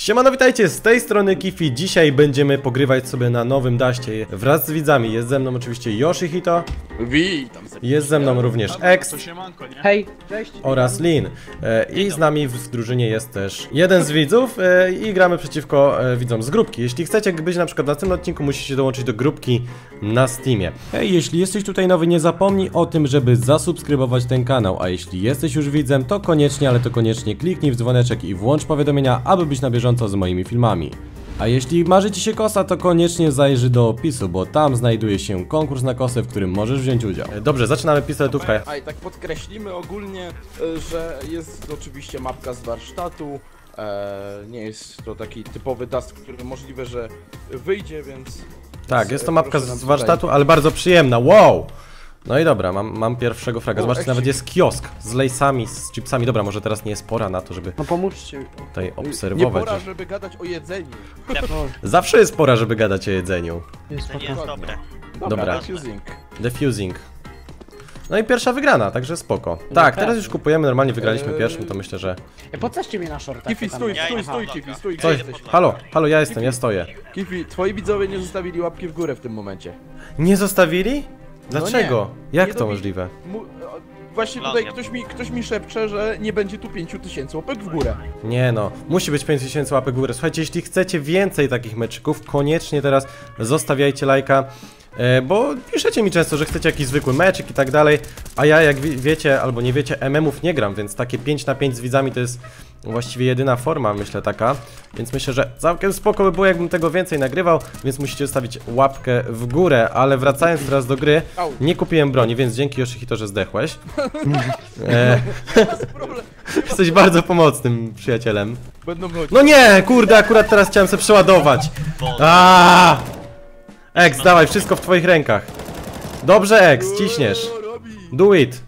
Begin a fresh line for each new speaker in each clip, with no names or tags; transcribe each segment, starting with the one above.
Siemano, witajcie, z tej strony Kifi. Dzisiaj będziemy pogrywać sobie na nowym daście wraz z widzami. Jest ze mną oczywiście Yoshihito.
Witam.
Jest ze mną również X.
Hej, cześć.
Oraz Lin. I z nami w drużynie jest też jeden z widzów i gramy przeciwko widzom z grupki. Jeśli chcecie być na przykład na tym odcinku, musicie dołączyć do grupki na Steamie. Hej, jeśli jesteś tutaj nowy, nie zapomnij o tym, żeby zasubskrybować ten kanał. A jeśli jesteś już widzem, to koniecznie, ale to koniecznie kliknij w dzwoneczek i włącz powiadomienia, aby być na bieżąco z moimi filmami. A jeśli marzy ci się kosa, to koniecznie zajrzyj do opisu, bo tam znajduje się konkurs na kosę, w którym możesz wziąć udział. Dobrze, zaczynamy pistoletówkę.
A i tak podkreślimy ogólnie, że jest oczywiście mapka z warsztatu. Nie jest to taki typowy dust, który możliwe, że wyjdzie, więc...
Tak, jest to mapka z warsztatu, ale bardzo przyjemna, wow! No i dobra, mam pierwszego fraga. Zobaczcie, nawet jest kiosk z lejsami, z chipsami. Dobra, może teraz nie jest pora na to, żeby
No pomóżcie mi.
tutaj obserwować.
Nie pora, żeby gadać o jedzeniu.
Zawsze jest pora, żeby gadać o jedzeniu.
Jest
To nie jest dobre.
Dobra.
Defusing.
Defusing. No i pierwsza wygrana, także spoko. Tak, teraz już kupujemy, normalnie wygraliśmy pierwszym, to myślę, że...
Podcaście mnie na shortach.
Kifi, stój, Kifi, stój,
Coś...
gdzie jesteś?
Halo, ja jestem, ja stoję.
Kifi, twoi widzowie nie zostawili łapki w górę w tym momencie.
Nie zostawili? Dlaczego? Jak
Nie
to
dobi-
możliwe?
Właśnie tutaj ktoś mi szepcze, że nie będzie tu 5000 łapek w górę.
Nie no, musi być 5000 łapek w górę. Słuchajcie, jeśli chcecie więcej takich meczyków, koniecznie teraz zostawiajcie lajka. Bo piszecie mi często, że chcecie jakiś zwykły meczyk i tak dalej. A ja, jak wiecie albo nie wiecie, MM-ów nie gram, więc takie 5 na 5 z widzami to jest właściwie jedyna forma, myślę, taka. Więc myślę, że całkiem spoko by było, jakbym tego więcej nagrywał. Więc musicie zostawić łapkę w górę. Ale wracając teraz do gry, nie kupiłem broni, więc dzięki Yoshihito, że zdechłeś. Jesteś bardzo pomocnym przyjacielem.
Będą chodzić.
No nie, kurde, akurat teraz chciałem sobie przeładować. Aaaa! X, dawaj, wszystko w twoich rękach. Dobrze, X, ciśniesz. Do it.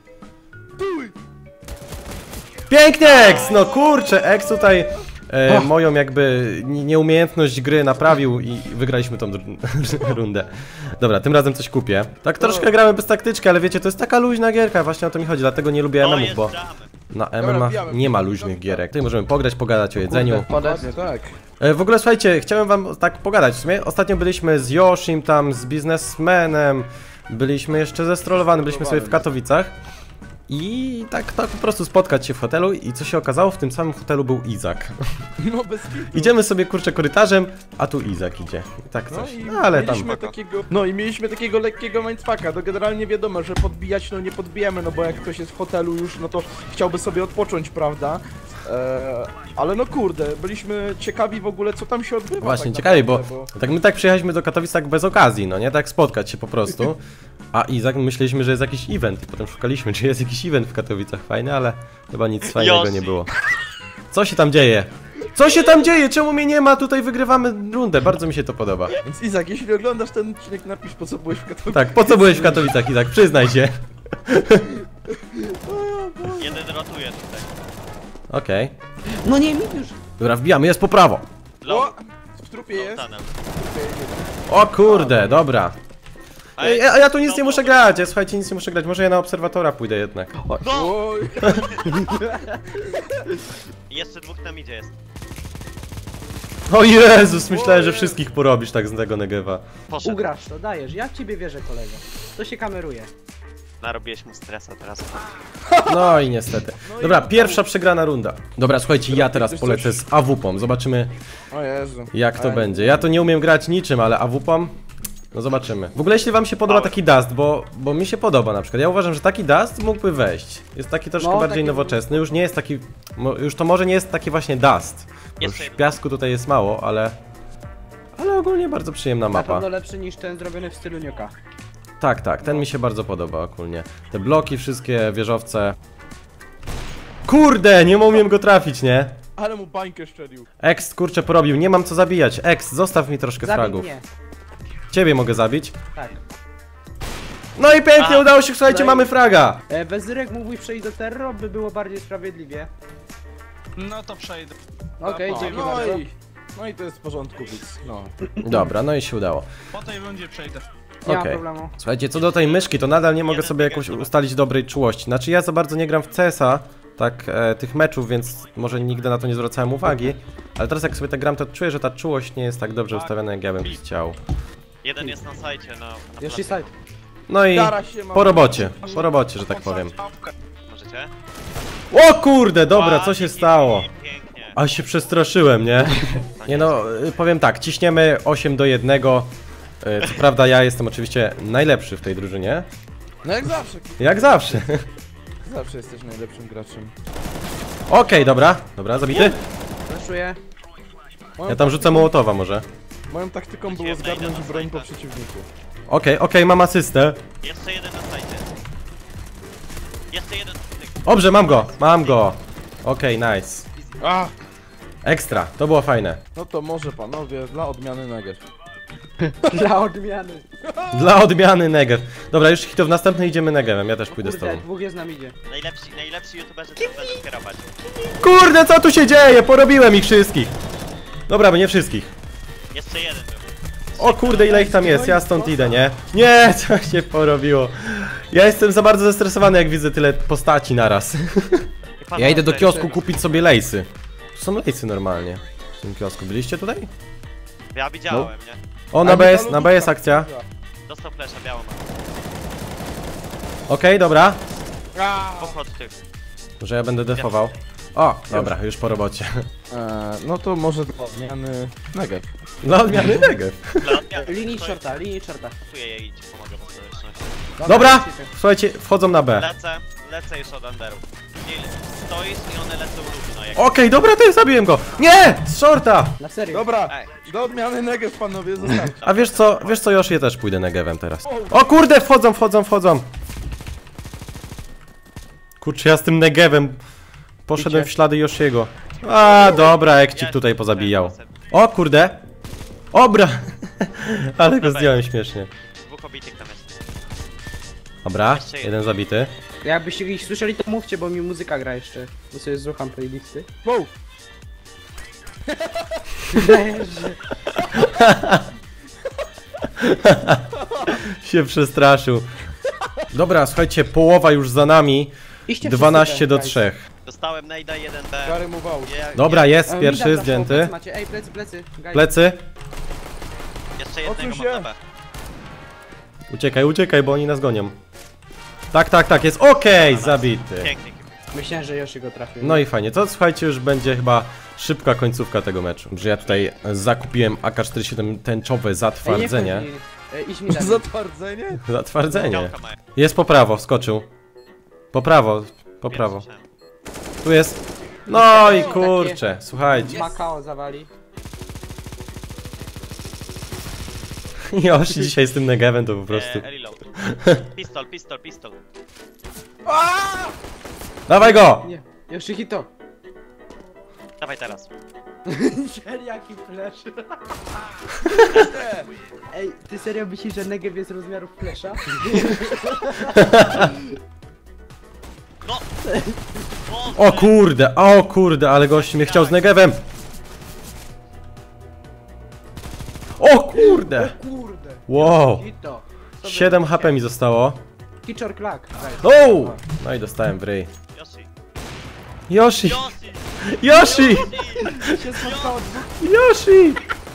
Pięknie, X! No kurczę, X tutaj moją jakby nieumiejętność gry naprawił i wygraliśmy tą rundę. Dobra, tym razem coś kupię. Tak troszkę gramy bez taktyczki, ale wiecie, to jest taka luźna gierka, właśnie o to mi chodzi, dlatego nie lubię MM-ów, bo na MMA nie ma luźnych gierek. Tutaj możemy pograć, pogadać o jedzeniu.
Dokładnie tak.
W ogóle słuchajcie, chciałem wam tak pogadać w sumie. Ostatnio byliśmy z Yoshim tam, z biznesmenem. Byliśmy jeszcze zestrolowani, byliśmy sobie w Katowicach. I tak po prostu spotkać się w hotelu i co się okazało, w tym samym hotelu był Izak.
No bez kitu.
Idziemy sobie kurczę korytarzem, a tu Izak idzie. I tak coś. No ale tam...
mieliśmy takiego lekkiego mindfucka, to generalnie wiadomo, że podbijać no nie podbijemy, no bo jak ktoś jest w hotelu już, no to chciałby sobie odpocząć, prawda? Ale no kurde, byliśmy ciekawi w ogóle, co tam się odbywa.
Właśnie,
tak
ciekawi,
naprawdę,
bo tak my tak przyjechaliśmy do Katowic tak bez okazji, no nie? Tak spotkać się po prostu. A Izak, myśleliśmy, że jest jakiś event. Potem szukaliśmy, czy jest jakiś event w Katowicach fajny, ale chyba nic fajnego nie było. Co się tam dzieje? Co się tam dzieje? Czemu mnie nie ma? Tutaj wygrywamy rundę, bardzo mi się to podoba.
Więc Izak, jeśli oglądasz ten odcinek, napisz, po co byłeś w Katowicach.
Tak, po co byłeś w Katowicach, Izak? Przyznaj się.
Jeden rotuje tutaj.
Okej.
No nie, mi już.
Dobra, wbijamy, jest po prawo.
O! W trupie jest.
Tanem.
O kurde, dobra.
Ej,
A ja tu nic nie muszę grać, słuchajcie, nic nie muszę grać. Może ja na obserwatora pójdę jednak.
Oj.
Jeszcze dwóch tam idzie jest.
O Jezus, myślałem, że wszystkich porobisz tak z tego Negewa.
Poszedł.
Ugrasz to, dajesz. Ja w ciebie wierzę, kolego. To się kameruje.
Narobiłeś mu stresa teraz.
No i niestety. Dobra, pierwsza przegrana runda. Dobra, słuchajcie, ja teraz polecę z AWP-om. Zobaczymy,
O Jezu.
jak to będzie. Ja to nie umiem grać niczym, ale AWP-om? No zobaczymy. W ogóle jeśli wam się podoba taki dust, bo mi się podoba na przykład. Ja uważam, że taki dust mógłby wejść. Jest taki troszkę
No,
bardziej
taki-
nowoczesny. Już nie jest taki... Już to może nie jest taki właśnie dust. Bo
Jeszcze
już
jeden.
piasku tutaj jest mało, ale... Ale ogólnie bardzo przyjemna
Na
mapa.
pewno lepszy niż ten zrobiony w stylu nioka.
Tak, tak, ten mi się bardzo podoba ogólnie. Te bloki, wszystkie wieżowce. Kurde, nie umiem go trafić, nie?
Ale mu bańkę szczelił.
X, kurczę, porobił, nie mam co zabijać. X, zostaw mi troszkę
Zabij
fragów.
mnie.
Ciebie mogę zabić.
Tak.
No i pięknie, udało się, słuchajcie,
No i-
mamy fraga.
Wezyrek mógłby przejść do terror, by było bardziej sprawiedliwie.
No to przejdę.
Okej, dzięki
No
bardzo.
no i to jest w porządku, więc no.
Dobra, no i się udało.
Po tej rundzie przejdę.
Nie ma
Okej.
problemu.
Słuchajcie, co do tej myszki, to nadal nie mogę sobie jakoś ustalić dobrej czułości. Znaczy ja za bardzo nie gram w CS-a, tak tych meczów, więc może nigdy na to nie zwracałem uwagi. Ale teraz jak sobie tak gram, to czuję, że ta czułość nie jest tak dobrze ustawiona, jak ja bym chciał.
Jeden jest na sajcie, na
Jeszcze side.
No i
Stara się, mam-
po robocie, że tak powiem.
Możecie?
O kurde, dobra, co się stało?
Pięknie.
A się przestraszyłem, nie? Nie no, powiem tak, ciśniemy 8-1. Co prawda ja jestem oczywiście najlepszy w tej drużynie.
No jak zawsze,
Jak zawsze.
zawsze jesteś najlepszym graczem.
Okej, dobra, zabity.
Flashuję.
Moją
Ja tam rzucę Mołotowa może.
Moją taktyką było zgarnąć broń po przeciwniku.
Okej, mam asystę.
Jeszcze jeden na sajcie. Jeszcze jeden.
Dobrze, mam go. Okej, nice.
A!
Ekstra, to było fajne.
No to może panowie, dla odmiany negew.
Dla odmiany.
Dla odmiany Negev. Dobra, już hito w następnej idziemy Negevem, ja też pójdę z
Kurde,
tobą.
dwóch jest nam idzie.
Najlepsi youtuberzy to będą kierować.
Kurde, co tu się dzieje? Porobiłem ich wszystkich. Dobra, bo nie wszystkich.
Jeszcze jeden był.
O kurde, ile ich tam jest, ja stąd idę, nie? Nie, co się porobiło? Ja jestem za bardzo zestresowany, jak widzę tyle postaci naraz. Ja idę do kiosku kupić sobie lejsy. Tu są lejsy normalnie. W tym kiosku, byliście tutaj?
Ja widziałem, nie?
O, na B jest akcja.
Dostał flesza, białą ma.
Okej, dobra.
Pochod tych.
Może ja będę defował. O, dobra, już po robocie.
No to może dla odmiany negew.
Dla odmiany Negev.
Linii shorta, linii shorta.
Czuję je i ci pomogę po społeczności.
Dobra, słuchajcie, wchodzą na B.
Lecę już od underów. Stoisz i one lecą równo jak...
Okej, dobra, to zabiłem go. Nie, z shorta.
Na serio.
Dobra,
Ej.
do odmiany negew panowie, zostawcie.
A wiesz co, Josh, ja też pójdę Negevem teraz. O kurde, wchodzą. Kurczę, ja z tym Negevem poszedłem w ślady Yoshiego. A, dobra, Ekcik tutaj pozabijał. O kurde. Obra. Ale go zdjąłem śmiesznie.
Dwóch obitych tam jest.
Dobra, jeden zabity.
Jakbyście ich słyszeli, to mówcie, bo mi muzyka gra jeszcze. Bo sobie słucham playlisty.
Wow!
Leży.
Się przestraszył. Dobra, słuchajcie, połowa już za nami.
Iście
12
wszyscy
do
guys.
3.
Dostałem najda 1B.
Gary mu wał.
Dobra, jest
Mida
pierwszy
flashował,
zdjęty.
plecy macie. Ej, plecy. Guys.
Plecy.
Jeszcze jednego
Odsuń
mam
się.
na B.
Uciekaj, bo oni nas gonią. Tak, jest okej, zabity.
Pięknie.
Myślałem, że Yoshi go trafił.
No i fajnie, to słuchajcie, już będzie chyba szybka końcówka tego meczu. Że ja tutaj zakupiłem AK-47 tęczowe zatwardzenie.
Idź mi dalej.
Zatwardzenie?
Zatwardzenie.
Działka mają.
Jest po prawo, wskoczył. Po prawo.
Słyszałem.
Tu jest. No i kurczę, słuchajcie.
Makao zawali.
Yoshi dzisiaj z tym Negevem to po prostu.
Reload. Pistol.
Dawaj go!
Nie, Yoshi hito.
Dawaj teraz.
Jaki flash. Ej, ty serio myślisz, że Negev jest rozmiarów flasha?
No!
O kurde, ale gość mnie chciał z Negevem. O kurde!
Kurde.
Wow!
Hito.
7 HP mi zostało.
Kiczor klak.
O! No i dostałem w ryj.
Yoshi.
Yoshi!
Się spotkało dwóch.
Yoshi!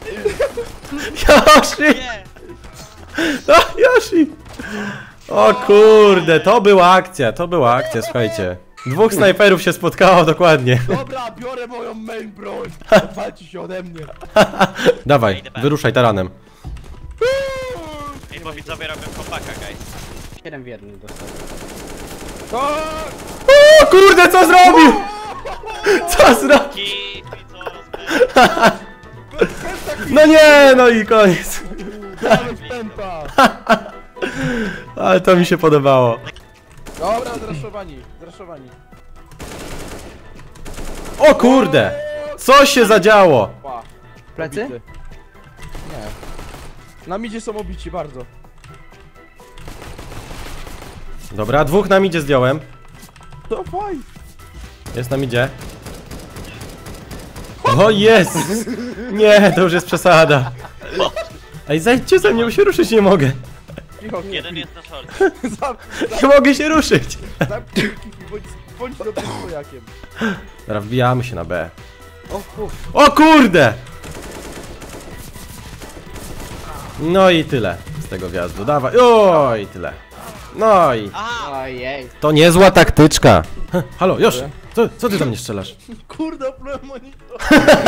Nie!
O, Yoshi! O kurde, to była akcja, słuchajcie. Dwóch snajperów się spotkało dokładnie.
Dobra, biorę moją main broń. Walci się ode mnie.
Dawaj, wyruszaj taranem.
Ej, bo widzowie robią kompaka, guys.
7 w 1 dostał.
Tak!
O kurde, co zrobił? Co zrobił?
Kipi, co
No nie, no i koniec.
Ale wstępa!
Ale to mi się podobało.
Dobra, zraszowani.
O kurde! Co się zadziało?
Pa.
Plecy?
Obity. Nie. Na midzie są obici bardzo.
Dobra, dwóch nam idzie zdjąłem.
To fajnie.
Jest nam idzie. O jest! Nie, to już jest przesada. Ej, zejdźcie ze mnie, bo się ruszyć nie mogę.
Cicho,
jeden jest na short.
Zap,
Nie mogę się ruszyć.
zamknij, bądź bądź dobrym stojakiem.
Teraz wbijamy się na B.
O kur...
O kurde! No i tyle z tego wjazdu, dawaj, oj, tyle. No i
Aha!
Ojej.
to niezła taktyczka. Halo, Josz, co ty do mnie strzelasz?
Kurde, oplułem monitor.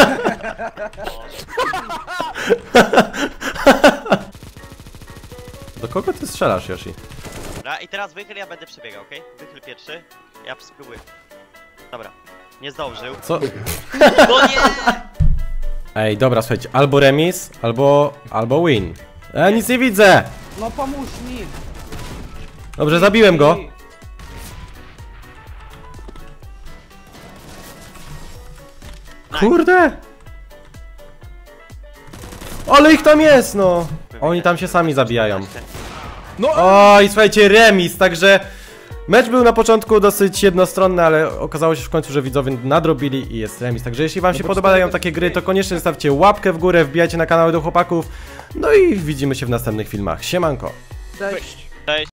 Do kogo ty strzelasz, Yoshi?
Dobra, i teraz wychyl, ja będę przebiegał, okej? Wychyl pierwszy, ja spróbuję. Dobra, nie zdążył.
Co?
No nie!
Ej, dobra, słuchajcie, albo remis, albo win. Nic nie widzę!
No pomóż mi.
Dobrze, zabiłem go. Kurde! Ale ich tam jest, no! Oni tam się sami zabijają.
No,
Oj, słuchajcie, remis, także mecz był na początku dosyć jednostronny, ale okazało się w końcu, że widzowie nadrobili i jest remis. Także jeśli wam się podobają takie gry, to koniecznie zostawcie łapkę w górę, wbijajcie na kanały do chłopaków. No i widzimy się w następnych filmach. Siemanko!
Cześć.
Cześć.